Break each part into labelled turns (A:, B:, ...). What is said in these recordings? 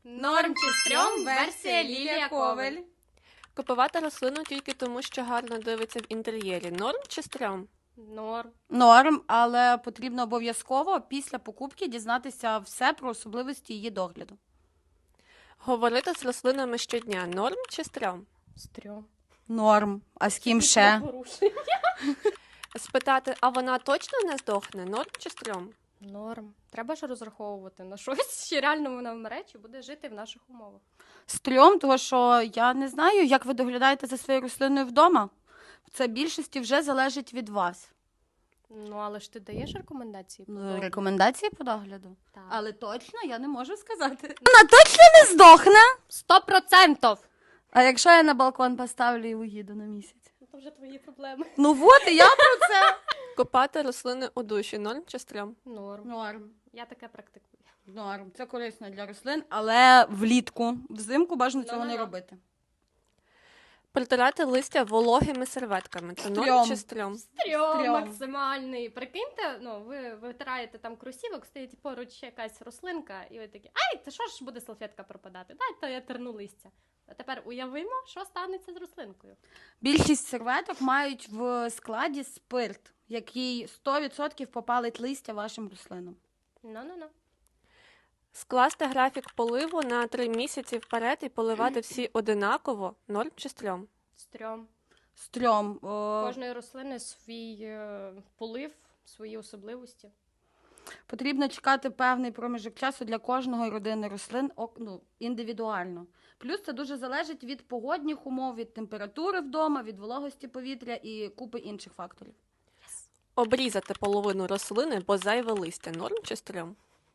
A: Норм чи стрьом, версія Лілія Ковель.
B: Купувати рослину тільки тому, що гарно дивиться в інтер'єрі. Норм чи стрьом?
A: Норм.
C: Норм, але потрібно обов'язково після покупки дізнатися все про особливості її догляду.
B: Говорити з рослинами щодня. Норм чи стрьом?
A: Стрьом.
C: Норм. А з ким ще?
B: Спитати, а вона точно не здохне? Норм чи стрьом?
A: Норм. Треба ж розраховувати на щось, що реально вона вмре, чи буде жити в наших умовах.
C: Стрьом, тому що я не знаю, як ви доглядаєте за своєю рослиною вдома. Це більшості вже залежить від вас.
A: Ну, але ж ти даєш рекомендації? по догляду?
C: Рекомендації по догляду.
A: Так.
C: Але точно я не можу сказати. Вона точно не здохне.
A: 100%!
C: А якщо я на балкон поставлю і уїду на місяць?
A: Це вже твої проблеми.
C: Ну от, і я про це.
B: Купати рослини у душі. Норм чи стрьом?
A: Норм.
C: Норм.
A: Я таке практикую.
C: Норм. Це корисно для рослин, але влітку. Взимку бажано цього не робити.
B: Притирати листя вологими серветками. Це норм
C: Стрьом.
B: чи стрьом?
A: Стрьом
C: Стрьом.
A: максимальний. Прикиньте, ну, ви витираєте там кросівок, стоїть поруч якась рослинка, і ви такі, ай, це що ж буде салфетка пропадати? Дайте я терну листя. А тепер уявимо, що станеться з рослинкою.
C: Більшість серветок мають в складі спирт, який 100% попалить листя вашим рослинам.
A: Ну.
B: Скласти графік поливу на 3 місяці вперед і поливати всі одинаково. Норм чи стрьом?
A: Стрьом.
C: Стрьом.
A: Кожної рослини свій полив, свої особливості.
C: Потрібно чекати певний проміжок часу для кожної родини рослин індивідуально. Плюс це дуже залежить від погодних умов, від температури вдома, від вологості повітря і купи інших факторів.
B: Обрізати половину рослини, бо зайве листя. Норм чи стрьом?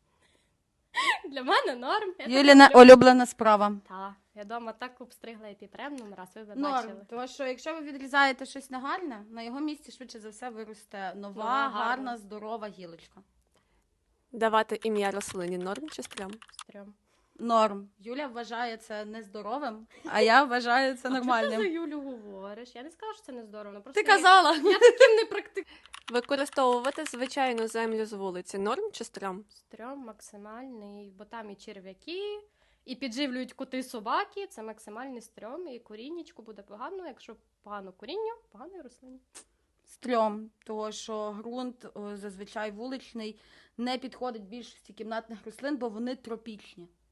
A: Для мене норм.
C: Юліна улюблена справа.
A: Так, я вдома так обстригла епіпремном, раз ви б
C: Норм,
A: бачили.
C: тому що якщо ви відрізаєте щось негарне, на його місці швидше за все виросте нова,
A: Нова, гарна.
C: гарна, здорова гілочка.
B: Давати ім'я рослині. Норм чи стрьом?
A: Стрьом.
C: Норм. Юля вважає це нездоровим, а я вважаю це
A: Що ти за
C: нормальним.
A: Юлю говориш? Я не скажу, що це нездорово. Просто
C: Ти казала.
A: Я таким не практикую.
B: Використовувати звичайну землю з вулиці. Норм чи стрьом?
A: Стрьом максимальний, бо там і черв'яки, і підживлюють коти собаки. Це максимальний стрьом, і коріннячку буде погано. Якщо погано коріння, погано і рослині.
C: Стрьом, тому що ґрунт зазвичай вуличний не підходить більшості кімнатних рослин, бо вони тропічні.